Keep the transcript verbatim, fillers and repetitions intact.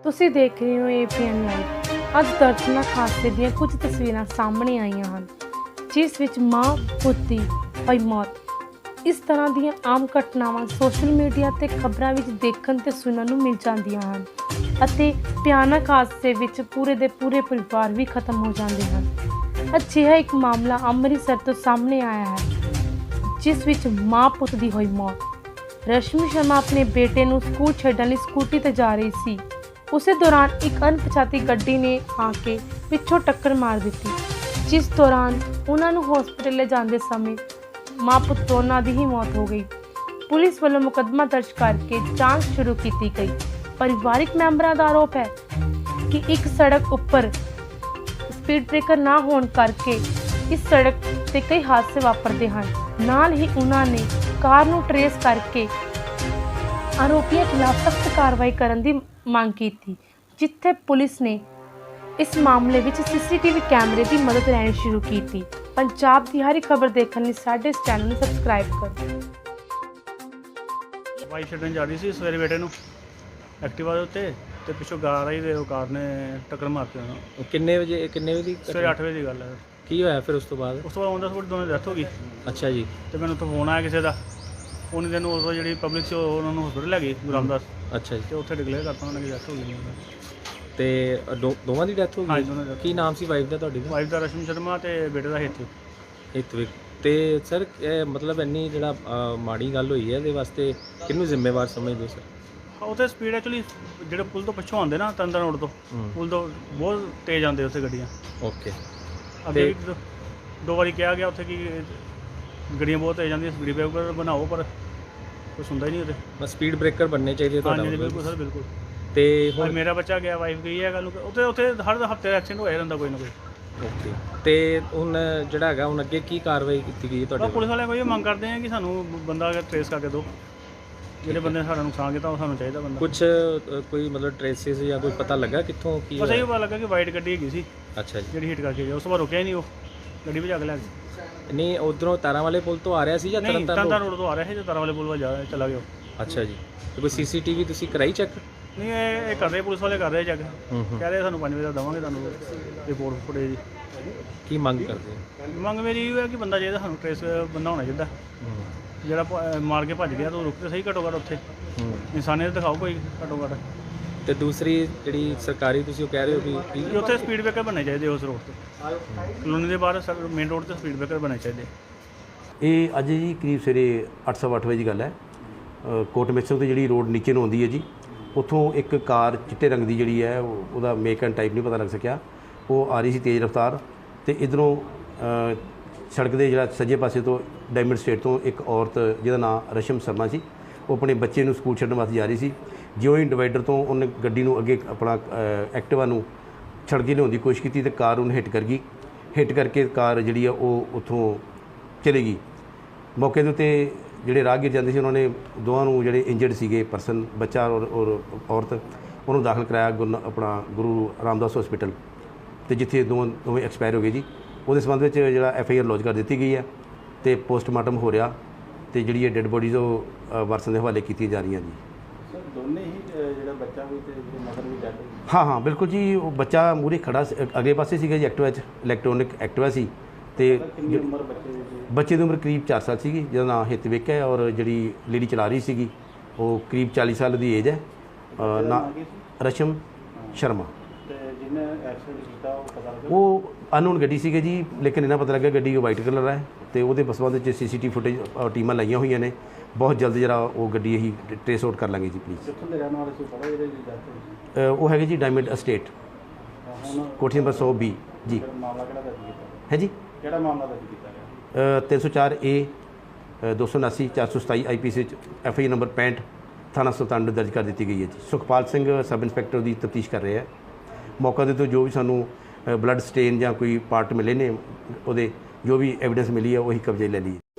ਤੁਸੀਂ ਦੇਖ ਰਹੇ ਹੋ ਏਪੀਐਨ ਲਾਈਵ। ਅੱਜ ਦਰਦਨਾਕ ਹਾਦਸੇ ਦੀਆਂ ਕੁਝ ਤਸਵੀਰਾਂ ਸਾਹਮਣੇ ਆਈਆਂ ਹਨ ਜਿਸ ਵਿੱਚ ਮਾਂ ਪੁੱਤ ਦੀ ਹੋਈ ਮੌਤ। ਇਸ ਤਰ੍ਹਾਂ ਦੀਆਂ ਆਮ ਘਟਨਾਵਾਂ ਸੋਸ਼ਲ ਮੀਡੀਆ ਤੇ ਖਬਰਾਂ ਵਿੱਚ ਦੇਖਣ ਤੇ ਸੁਣਨ ਨੂੰ ਮਿਲ ਜਾਂਦੀਆਂ ਹਨ ਅਤੇ ਭਿਆਨਕ ਹਾਦਸੇ ਵਿੱਚ ਪੂਰੇ ਦੇ ਪੂਰੇ ਪਰਿਵਾਰ ਵੀ ਖਤਮ ਹੋ ਜਾਂਦੇ ਹਨ। ਅਜਿਹਾ ਇੱਕ ਮਾਮਲਾ ਅੰਮ੍ਰਿਤਸਰ ਤੋਂ ਸਾਹਮਣੇ ਆਇਆ ਹੈ ਜਿਸ ਵਿੱਚ ਮਾਂ ਪੁੱਤ ਦੀ ਹੋਈ ਮੌਤ। ਰਸ਼ਮੀ ਸ਼ਰਮਾ ਆਪਣੇ ਬੇਟੇ ਨੂੰ ਸਕੂਲ ਛੱਡਣ ਲਈ ਸਕੂਟੀ ਤੇ ਜਾ ਰਹੀ ਸੀ। ਉਸੇ ਦੌਰਾਨ ਇੱਕ ਅਣਪਛਾਤੀ ਗੱਡੀ ਨੇ ਆ ਕੇ ਪਿੱਛੋਂ ਟੱਕਰ ਮਾਰ ਦਿੱਤੀ, ਜਿਸ ਦੌਰਾਨ ਉਹਨਾਂ ਨੂੰ ਹਸਪਤਾਲ ਲੈ ਜਾਂਦੇ ਸਮੇਂ ਮਾਂ ਪੁੱਤ ਦੋਨਾਂ ਦੀ ਹੀ ਮੌਤ ਹੋ ਗਈ। ਪੁਲਿਸ ਵੱਲੋਂ ਮੁਕੱਦਮਾ ਦਰਜ ਕਰਕੇ ਜਾਂਚ ਸ਼ੁਰੂ ਕੀਤੀ ਗਈ। ਪਰਿਵਾਰਿਕ ਮੈਂਬਰਾਂ ਦਾ ਆਰੋਪ ਹੈ ਕਿ ਇੱਕ ਸੜਕ ਉੱਪਰ ਸਪੀਡ ਬ੍ਰੇਕਰ ਨਾ ਹੋਣ ਕਰਕੇ ਇਸ ਸੜਕ ਤੇ ਕਈ ਹਾਦਸੇ ਵਾਪਰਦੇ ਹਨ। ਨਾਲ ਹੀ ਉਹਨਾਂ ਨੇ ਕਾਰ ਨੂੰ ਟਰੇਸ ਕਰਕੇ ਆਰੋਪੀਆਂ ਖਿਲਾਫ ਸਖਤ ਕਾਰਵਾਈ ਕਰਨ ਦੀ ਮੰਗ ਕੀਤੀ, ਜਿੱਥੇ ਪੁਲਿਸ ਨੇ ਇਸ ਮਾਮਲੇ ਵਿੱਚ ਸੀਸੀਟੀਵੀ ਕੈਮਰੇ ਦੀ ਮਦਦ ਲੈਣੀ ਸ਼ੁਰੂ ਕੀਤੀ। ਪੰਜਾਬ ਦੀ ਹਰ ਖਬਰ ਦੇਖਣ ਲਈ ਸਾਡੇ ਇਸ ਚੈਨਲ ਨੂੰ ਸਬਸਕ੍ਰਾਈਬ ਕਰੋ। ਵਾਈ ਛੱਡਣ ਜਾ ਰਹੀ ਸੀ ਸਵੇਰੇ ਬੇਟੇ ਨੂੰ ਐਕਟਿਵਾ ਦੇ ਉੱਤੇ ਤੇ ਪਿੱਛੋਂ ਕਾਰ ਆਈ ਤੇ ਉਹ ਕਾਰ ਨੇ ਟੱਕਰ ਮਾਰਤੀ ਉਹਨੂੰ। ਕਿੰਨੇ ਵਜੇ ਕਿੰਨੇ ਵਜੇ ਦੀ ਸਵੇਰੇ ਅੱਠ ਵਜੇ ਦੀ ਗੱਲ ਹੈ। ਕੀ ਹੋਇਆ ਫਿਰ ਉਸ ਤੋਂ ਬਾਅਦ? ਉਸ ਤੋਂ ਬਾਅਦ ਉਹਨਾਂ ਦਾ ਦੋਨਾਂ ਦੀ ਡੈਥ ਹੋ ਗਈ। ਅੱਛਾ ਜੀ। ਤੇ ਮੈਨੂੰ ਉੱਥੋਂ ਫੋਨ ਆਇਆ ਕਿਸੇ ਦਾ, ਉਹਨੇ ਦਿਨ ਉਦੋਂ ਜਿਹੜੀ ਪਬਲਿਕ ਸੀ ਉਹਨਾਂ ਨੂੰ ਹਸਪਤਾਲ ਲੈ ਗਈ ਗੁਰੂ ਰਾਮਦਾਸ। ਅੱਛਾ ਜੀ। ਤੇ ਉੱਥੇ ਡਿਕਲੇਅਰ ਕਰਤਾ ਉਹਨਾਂ ਦੀ ਡੈਥ ਹੋ ਗਈ। ਤੇ ਦੋ- ਦੋਵਾਂ ਦੀ ਡੈਥ ਹੋ ਹਾਂਜੀ, ਗਈ? ਦੋਨਾਂ ਦੀ। ਕੀ ਨਾਮ ਸੀ ਵਾਈਫ ਦਾ ਤੁਹਾਡੀ ਦਾ? ਵਾਈਫ ਦਾ ਰਸ਼ਮੀ ਸ਼ਰਮਾ ਤੇ ਬੇਟੇ ਦਾ ਹਿੱਤ। ਹਿਤਵਿਕ। ਤੇ ਸਰ ਇਹ ਮਤਲਬ ਇੰਨੀ ਜਿਹੜਾ ਅ, ਮਾੜੀ ਗੱਲ ਹੋਈ ਹੈ ਇਹਦੇ ਵਾਸਤੇ ਕਿਹਨੂੰ ਜ਼ਿੰਮੇਵਾਰ ਸਮਝਦੇ ਹੋ ਸਰ? ਉੱਥੇ ਸਪੀਡ ਐਕਚੁਅਲੀ ਜਿਹੜੇ ਪੁਲ ਤੋਂ ਪਿੱਛੋਂ ਆਉਂਦੇ ਨਾ ਤੰਦਰ ਰੋਡ ਤੋਂ, ਪੁਲ ਤੋਂ ਬਹੁਤ ਤੇਜ਼ ਆਉਂਦੇ ਉੱਥੇ ਗੱਡੀਆਂ। ਓਕੇ। ਅੱਗੇ ਵੀ ਦੋ- ਦੋ ਵਾਰੀ ਕਿਹਾ ਗਿਆ ਉੱਥੇ ਕਿ ਗੱਡੀਆਂ ਬਹੁਤ ਤੇਜ਼ ਜਾਂਦੀਆਂ, ਸਪੀਡ ਬ੍ਰੇਕਰ ਬਣਾਓ, ਪਰ ਕੁਛ ਹੁੰਦਾ ਹੀ ਨਹੀਂ ਉੱਥੇ। ਬਸ ਸਪੀਡ ਬ੍ਰੇਕਰ ਬਣਨੇ ਚਾਹੀਦੇ ਤੁਹਾਡਾ ਹਾਂਜੀ ਮਤਲਬ? ਬਿਲਕੁਲ ਸਰ, ਬਿਲਕੁਲ। ਤੇ ਹੁਣ ਹੁਣ ਮੇਰਾ ਬੱਚਾ ਗਿਆ, ਵਾਈਫ ਗਈ ਹੈ, ਗੱਲ ਉੱਥੇ ਉੱਥੇ ਹਰ ਹਫਤੇ ਐਕਸੀਡੈਂਟ ਹੋਇਆ ਰਹਿੰਦਾ ਕੋਈ ਨਾ ਕੋਈ। ਓਕੇ। ਤੇ ਹੁਣ ਜਿਹੜਾ ਹੈਗਾ ਹੁਣ ਅੱਗੇ ਕੀ ਕਾਰਵਾਈ ਕੀਤੀ ਗਈ ਹੈ ਤਾਂ ਤੁਹਾਡੇ ਪੁਲਿਸ ਵਾਲਿਆਂ ਕੋਈ ਇਹ ਮੰਗ ਕਰਦੇ ਆ ਕਿ ਸਾਨੂੰ ਬੰਦਾ ਟ੍ਰੇਸ ਕਰਕੇ ਦਿਓ, ਜਿਹੜੇ ਬੰਦੇ ਨੇ ਸਾਡਾ ਨੁਕਸਾਨ ਕੀਤਾ ਉਹ ਸਾਨੂੰ ਚਾਹੀਦਾ ਬੰਦਾ। ਕੁਝ ਕੋਈ ਮਤਲਬ ਟ੍ਰੇਸਿਸ ਜਾਂ ਕੋਈ ਪਤਾ ਲੱਗਾ ਕਿੱਥੋਂ ਕੀ ਬਸ ਇਹ ਹੋਇਆ? ਪਤਾ ਲੱਗਾ ਕਿ ਵਾਈਟ ਗੱਡੀ ਹੈਗੀ ਸੀ ਅੱਛਾ ਜੀ। ਜਿਹੜੀ ਹਿੱਟ ਕਰਕੇ ਗਿਆ, ਉਸ ਤੋਂ ਬਾਅਦ ਰੁਕਿਆ ਹੀ ਨਹੀਂ, ਉਹ ਗੱਡੀ ਭਜਾ ਕੇ ਲੈ ਗਿਆ। ਨਹੀਂ ਉਧਰੋਂ ਤਾਰਾਂ ਵਾਲੇ ਪੁਲ ਤੋਂ ਆ ਰਿਹਾ ਸੀ ਜਾਂ ਨਹੀਂ, ਤਰਨਤਾਰਨ ਤੰਦਰ ਰੋਡ ਤੋਂ ਆ ਰਿਹਾ ਸੀ ਤੇ ਤਾਰਾਂ ਵਾਲੇ ਪੁਲ ਵੱਲ ਜਾ ਚਲਾ ਗਿਆ। ਅੱਛਾ ਜੀ। ਤੇ ਕੋਈ ਸੀਸੀਟੀਵੀ ਤੁਸੀਂ ਕਰਾਈ ਚੈੱਕ? ਨਹੀਂ, ਇਹ ਇਹ ਕਰ ਰਹੇ, ਪੁਲਿਸ ਵਾਲੇ ਕਰ ਰਹੇ ਚੈੱਕ। ਹੂੰ ਹੂੰ। ਕਹਿ ਰਹੇ ਸਾਨੂੰ ਪੰਜ ਵਜੇ ਦਾ ਦੇਵਾਂਗੇ ਤੁਹਾਨੂੰ ਰਿਪੋਰਟ ਫੁਟੇਜ। ਕੀ ਮੰਗ ਕਰਦੇ ਹੋ? ਮੰਗ ਮੇਰੀ ਇਹ ਹੈ ਕਿ ਬੰਦਾ ਚਾਹੀਦਾ ਸਾਨੂੰ, ਟ੍ਰੇਸ ਬੰਦਾ ਹੋਣਾ ਚਾਹੀਦਾ ਹੂੰ ਜਿਹੜਾ ਭ- ਮਾਰ ਕੇ ਭੱਜ ਗਿਆ ਤਾਂ ਉਹ ਰੁਕ ਤੇ ਸਹੀ ਘੱਟੋ ਘੱਟ ਉੱਥੇ ਹੂੰ। ਇਨਸਾਨੀਅਤ ਦਿਖਾਓ ਕੋਈ ਘੱਟੋ ਘੱਟ। ਤੇ ਦੂਸਰੀ ਜਿਹੜੀ ਸਰਕਾਰੀ ਤੁਸੀਂ ਉਹ ਕਹਿ ਰਹੇ ਹੋ ਵੀ ਕਿ ਕੀ ਉੱਥੇ ਸਪੀਡ ਬ੍ਰੇਕਰ ਬਣਨੇ ਚਾਹੀਦੇ ਉਸ ਰੋਡ ਤੇ, ਕਲੋਨੀ ਦੇ ਬਾਹਰ ਮੇਨ ਰੋਡ ਤੇ ਸਪੀਡ ਬ੍ਰੇਕਰ ਬਣਨੇ ਚਾਹੀਦੇ। ਇਹ ਅੱਜ ਜੀ ਕਰੀਬ ਸਵੇਰੇ ਅੱਠ ਸਵਾ ਅੱਠ ਵਜੇ ਦੀ ਗੱਲ ਹੈ। ਅ, ਕੋਟ ਮਿਕਸਰ ਤੋਂ ਜਿਹੜੀ ਰੋਡ ਨੀਚੇ ਨੂੰ ਆਉਂਦੀ ਹੈ ਜੀ, ਉੱਥੋਂ ਇੱਕ ਕਾਰ ਚਿੱਟੇ ਰੰਗ ਦੀ ਜਿਹੜੀ ਹੈ ਉਹ- ਉਹਦਾ ਮੇਕ ਐਂਡ ਟਾਈਪ ਨਹੀਂ ਪਤਾ ਲੱਗ ਸਕਿਆ, ਉਹ ਆ ਰਹੀ ਸੀ ਤੇਜ਼ ਰਫ਼ਤਾਰ ਤੇ ਇਧਰੋਂ ਸੜਕ ਦੇ ਜਿਹੜਾ ਸੱਜੇ ਪਾਸੇ ਤੋਂ ਡਾਇਮੰਡ ਸਟੇਟ ਤੋਂ ਇੱਕ ਔਰਤ ਜਿਹਦਾ ਨਾਮ ਰਸ਼ਮ ਸ਼ਰਮਾ ਸੀ, ਉਹ ਆਪਣੇ ਬੱਚੇ ਨੂੰ ਸਕੂਲ ਛੱਡਣ ਵਾਸਤੇ ਜਾ ਰਹੀ ਸੀ। ਜਿਉਂ ਹੀ ਡਿਵਾਈਡਰ ਤੋਂ ਉਹਨੇ ਗੱਡੀ ਨੂੰ ਅੱਗੇ ਆਪਣਾ ਐਕਟਿਵਾ ਨੂੰ ਛੱਡ ਕੇ ਲਿਆਉਣ ਦੀ ਕੋਸ਼ਿਸ਼ ਕੀਤੀ ਤੇ ਕਾਰ ਉਹਨੂੰ ਹਿੱਟ ਕਰ ਗਈ। ਹਿੱਟ ਕਰਕੇ ਕਾਰ ਜਿਹੜੀ ਆ ਉਹ ਉੱਥੋਂ ਚਲੇ ਗਈ। ਮੌਕੇ ਦੇ ਉੱਤੇ ਜਿਹੜੇ ਰਾਹਗੀਰ ਜਾਂਦੇ ਸੀ ਉਹਨਾਂ ਨੇ ਦੋਵਾਂ ਨੂੰ ਜਿਹੜੇ ਇੰਜਰਡ ਸੀਗੇ ਪਰਸਨ, ਬੱਚਾ ਔਰ ਔਰ ਔਰਤ, ਉਹਨੂੰ ਦਾਖਲ ਕਰਾਇਆ ਗੁਰੂ ਆਪਣਾ ਗੁਰੂ ਰਾਮਦਾਸ ਹਸਪੀਟਲ, ਤੇ ਜਿੱਥੇ ਦੋਵਾਂ ਦੋਵੇਂ ਐਕਸਪਾਇਰ ਹੋ ਗਏ ਜੀ। ਉਹਦੇ ਸੰਬੰਧ ਵਿੱਚ ਜਿਹੜਾ ਐਫ ਆਈ ਆਰ ਲੌਜ ਕਰ ਦਿੱਤੀ ਗਈ ਹੈ ਤੇ ਪੋਸਟਮਾਰਟਮ ਹੋ ਰਿਹਾ ਤੇ ਜਿਹੜੀ ਇਹ ਡੈੱਡ ਬੋਡੀਜ਼ ਉਹ ਅ, ਵਾਰਸਾਂ ਦੇ ਹਵਾਲੇ ਕੀਤੀਆਂ ਜਾ ਰਹੀਆਂ ਜੀ। ਸਰ ਦੋਨੇ ਹੀ ਜਿਹੜਾ ਬੱਚਾ ਵੀ ਤੇ ਜਿਹੜੀ ਮਦਰ ਵੀ ਡੈਡ ਹੋਈ? ਹਾਂ ਹਾਂ ਬਿਲਕੁਲ ਜੀ। ਉਹ ਬੱਚਾ ਮੂਹਰੇ ਖੜਾ ਸੀ, ਅਗਲੇ ਪਾਸੇ ਸੀਗਾ ਜੀ ਐਕਟਿਵਾ 'ਚ, ਇਲੈਕਟ੍ਰੋਨਿਕ ਐਕਟਿਵਾ ਸੀ। ਤੇ ਕਿੰਨੀ ਉਮਰ ਬੱਚੇ ਦੀ ਸੀ? ਬੱਚੇ ਦੀ ਉਮਰ ਕਰੀਬ ਚਾਰ ਸਾਲ ਸੀਗੀ, ਜਿਹਦਾ ਨਾਮ ਹਿਤਵਿਕ ਹੈ, ਔਰ ਜਿਹੜੀ ਲੇਡੀ ਚਲਾ ਰਹੀ ਸੀਗੀ ਉਹ ਕਰੀਬ ਚਾਲੀ ਸਾਲ ਦੀ ਏਜ ਹੈ। ਅ, ਨਾ ਰਸ਼ਮ ਸ਼ਰਮਾ। ਤੇ ਜਿਹਨੇ ਐਕਸੀਡੈਂਟ ਕੀਤਾ ਉਹ ਪਤਾ ਲੱਗਾ? ਉਹ ਅਨਨੋਨ ਗੱਡੀ ਸੀਗੀ ਜੀ, ਲੇਕਿਨ ਇਹਨਾਂ ਪਤਾ ਲੱਗਾ ਗੱਡੀ ਵਾਈਟ ਕਲਰ ਹੈ ਤੇ ਉਹਦੇ ਸੰਬੰਧ ਵਿੱਚ ਸੀ ਸੀ ਟੀ ਫੁਟੇਜ ਟੀਮਾਂ ਲਾਈਆਂ ਹੋਈਆਂ ਨੇ। ਬਹੁਤ ਜਲਦ ਜਿਹੜਾ ਉਹ ਗੱਡੀ ਅਸੀਂ ਟ੍ਰੇਸ ਆਊਟ ਕਰ ਲਾਂਗੇ ਜੀ ਪਲੀਜ਼। ਕਿੱਥੋਂ ਦੇ ਰਹਿਣ ਵਾਲੇ ਸੀ ਪਤਾ ਜਿਹਦੇ ਦੀ ਡੈਥ ਹੋਈ ਸੀ? ਉਹ ਹੈਗੇ ਜੀ ਡਾਇਮੰਡ ਅਸਟੇਟ, ਹੁਣ ਕੋਠੀ ਨੰਬਰ ਸੌ ਬੀ ਜੀ। ਫਿਰ ਮਾਮਲਾ ਕਿਹੜਾ ਦਰਜ ਕੀਤਾ? ਹੈ ਜੀ ਕਿਹੜਾ ਮਾਮਲਾ ਦਰਜ ਕੀਤਾ ਗਿਆ? ਤਿੰਨ ਸੌ ਚਾਰ ਏ ਦੋ ਸੌ ਉਨਾਸੀ ਚਾਰ ਸੌ ਸਤਾਈ ਆਈ ਪੀ ਸੀ ਵਿੱਚ ਐਫ ਆਈ ਨੰਬਰ ਪੈਂਹਠ ਥਾਣਾ ਸੁਲਤਾਨਪੁਰ ਦਰਜ ਕਰ ਦਿੱਤੀ ਗਈ ਹੈ ਜੀ। ਸੁਖਪਾਲ ਸਿੰਘ ਸਬ ਇੰਸਪੈਕਟਰ ਦੀ ਤਫਤੀਸ਼ ਕਰ ਰਹੇ ਹੈ। ਮੌਕਾ ਦੇ ਤੋਂ ਜੋ ਵੀ ਸਾਨੂੰ ਬਲੱਡ ਸਟੇਨ ਜਾਂ ਕੋਈ ਪਾਰਟ ਮਿਲੇ ਨੇ, ਉਹਦੇ ਜੋ ਵੀ ਐਵੀਡੈਂਸ ਮਿਲੀ ਹੈ ਉਹੀ ਕਬਜ਼ੇ ਲੈ ਲਈ।